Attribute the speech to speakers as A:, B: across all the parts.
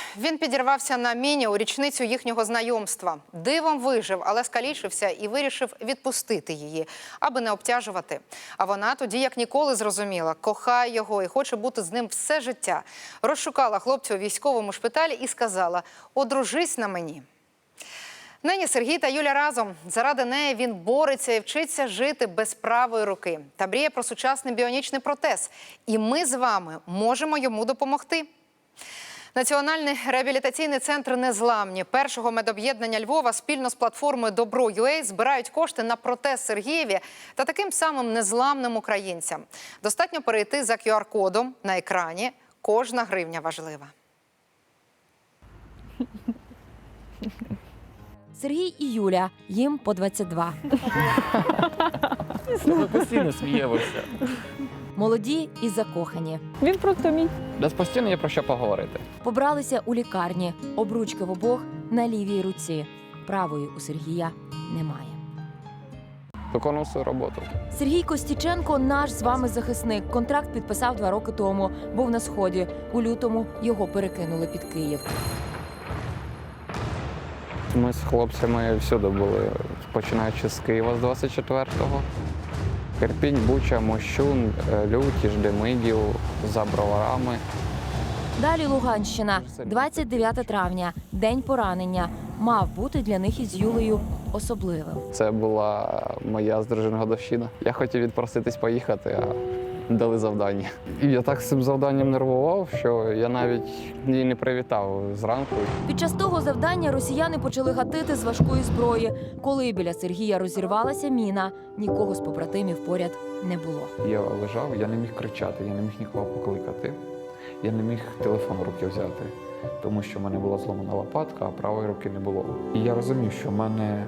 A: Він підірвався на міні у річницю їхнього знайомства. Дивом вижив, але скалічився і вирішив відпустити її, аби не обтяжувати. А вона тоді, як ніколи, зрозуміла, кохає його і хоче бути з ним все життя. Розшукала хлопця у військовому шпиталі і сказала: «Одружись на мені». Нині Сергій та Юля разом. Заради неї він бореться і вчиться жити без правої руки. Та мріє про сучасний біонічний протез. І ми з вами можемо йому допомогти. Національний реабілітаційний центр «Незламні» першого медоб'єднання Львова спільно з платформою «Добро.UA» збирають кошти на протез Сергієві та таким самим незламним українцям. Достатньо перейти за QR-кодом на екрані. Кожна гривня важлива.
B: Сергій і Юля, їм по 22.
C: Ми постійно сміємося.
B: Молоді і закохані.
D: Він просто мій.
C: У нас постійно є про що поговорити.
B: Побралися у лікарні. Обручки в обох на лівій руці. Правої у Сергія немає.
C: Виконував свою роботу.
B: Сергій Костіченко – наш з вами захисник. Контракт підписав 2 роки тому. Був на Сході. У лютому його перекинули під Київ.
C: Ми з хлопцями всюди були, починаючи з Києва з 24-го. Ірпінь, Буча, Мощун, Лютіж, Демидів, за Броварами.
B: Далі Луганщина. 29 травня. День поранення. Мав бути для них із Юлею особливим.
C: Це була моя з дружиною годовщина. Я хотів відпроситись поїхати, а дали завдання. І я так з цим завданням нервував, що я навіть її не привітав зранку.
B: Під час того завдання росіяни почали гатити з важкої зброї. Коли біля Сергія розірвалася міна, нікого з побратимів поряд не було.
C: Я лежав, я не міг кричати, я не міг нікого покликати. Я не міг телефон в руки взяти, тому що в мене була зломана лопатка, а правої руки не було. І я розумів, що в мене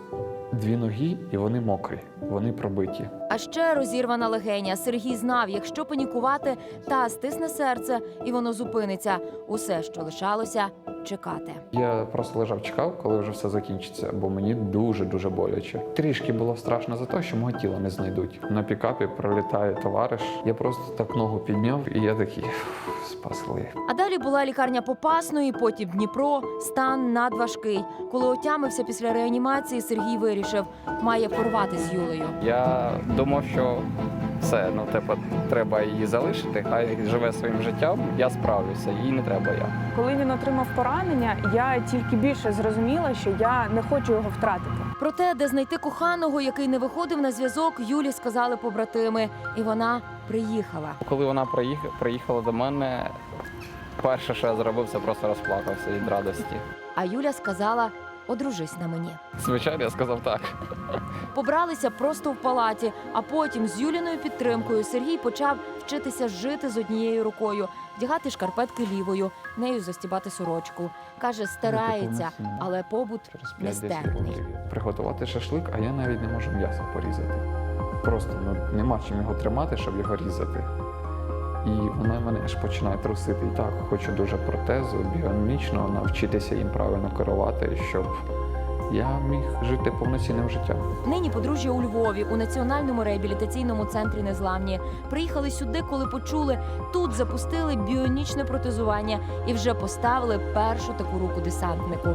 C: 2 ноги, і вони мокрі, вони пробиті.
B: А ще розірвана легеня. Сергій знав, якщо панікувати, та стисне серце, і воно зупиниться. Усе, що лишалося – чекати.
C: Я просто лежав, чекав, коли вже все закінчиться, бо мені дуже-дуже боляче. Трішки було страшно за те, що мого тіла не знайдуть. На пікапі пролітає товариш. Я просто так ногу підняв, і я такий: спасли.
B: А далі була лікарня Попасної, потім Дніпро, стан надважкий. Коли отямився після реанімації, Сергій вирішив – має порвати з Юлею.
C: Я думав, що все, треба її залишити, хай живе своїм життям, я справлюся, їй не треба я.
D: Коли він отримав поранення, я тільки більше зрозуміла, що я не хочу його втратити.
B: Про те, де знайти коханого, який не виходив на зв'язок, Юлі сказали побратими. І вона приїхала.
C: Коли вона приїхала до мене, перше, що я зробив, це просто розплакався від радості.
B: А Юля сказала – одружись на мені.
C: Звичайно, я сказав так.
B: Побралися просто в палаті, а потім з Юліною підтримкою Сергій почав вчитися жити з однією рукою, вдягати шкарпетки лівою, нею застібати сорочку. Каже, старається, але побут нестерпний.
C: Приготувати шашлик, а я навіть не можу м'ясо порізати. Просто нема чим його тримати, щоб його різати. І вона мене аж починає трусити. І так, хочу дуже протезу, біономічного, навчитися їм правильно керувати, щоб я міг жити повноцінним життям.
B: Нині подружжя у Львові, у Національному реабілітаційному центрі «Незламні». Приїхали сюди, коли почули, тут запустили біонічне протезування і вже поставили першу таку руку десантнику.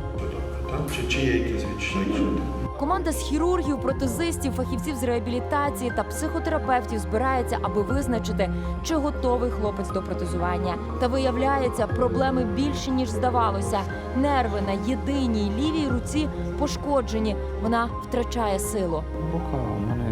E: Чи є якісь відчуття?
B: Команда з хірургів, протезистів, фахівців з реабілітації та психотерапевтів збирається, аби визначити, чи готовий хлопець до протезування. Та виявляється, проблеми більші, ніж здавалося. Нерви на єдиній лівій руці пошкоджені. Вона втрачає силу.
C: Рука у мене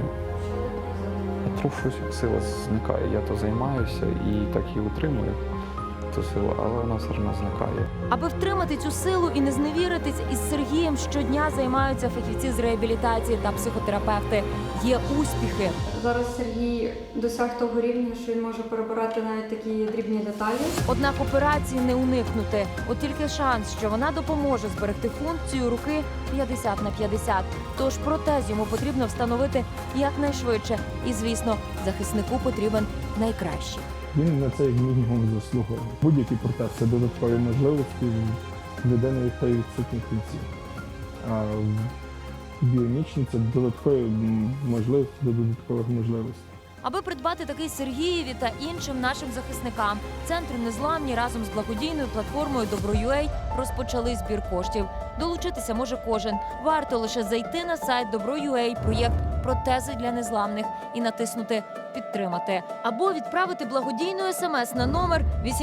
C: трохи сила зникає. Я то займаюся і так і утримую ту силу, але вона все одно зникає.
B: Аби втримати цю силу і не зневіритись, із Сергієм щодня займаються фахівці з реабілітації та психотерапевти. Є успіхи.
F: Зараз Сергій досяг того рівня, що він може перебирати навіть такі дрібні деталі.
B: Однак операції не уникнути. От тільки шанс, що вона допоможе зберегти функцію руки 50/50. Тож протез йому потрібно встановити якнайшвидше. І, звісно, захиснику потрібен найкращий.
G: Він на це як мінімум заслуговує. Будь-який протез – це додаткові можливості, людина від тої відсутні кінці. А біонічні – це додаткові можливості до додаткових можливостей.
B: Аби придбати такий Сергієві та іншим нашим захисникам, Центр Незламні разом з благодійною платформою Добро.ua розпочали збір коштів. Долучитися може кожен. Варто лише зайти на сайт Добро.ua, проєкт «Протези для незламних» і натиснути «Підтримати». Або відправити благодійну смс на номер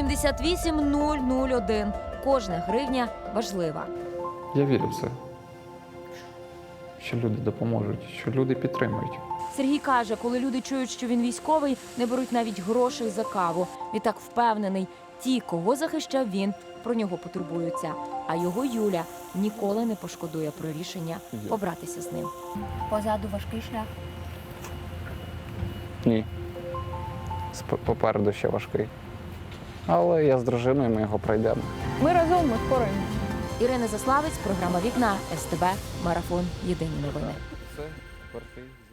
B: 88001. Кожна гривня важлива.
C: Я вірю в це, що люди допоможуть, що люди підтримують.
B: Сергій каже, коли люди чують, що він військовий, не беруть навіть грошей за каву. Відтак впевнений, ті, кого захищав він, про нього потурбуються. А його Юля ніколи не пошкодує про рішення побратися з ним. Позаду важкий шлях.
C: Ні. Попереду ще важкий. Але я з дружиною, ми його пройдемо.
D: Ми разом, ми впораємося.
B: Ірина Заславець, програма «Вікна», СТБ, Марафон. Єдині новини.
C: Все, тепер ти.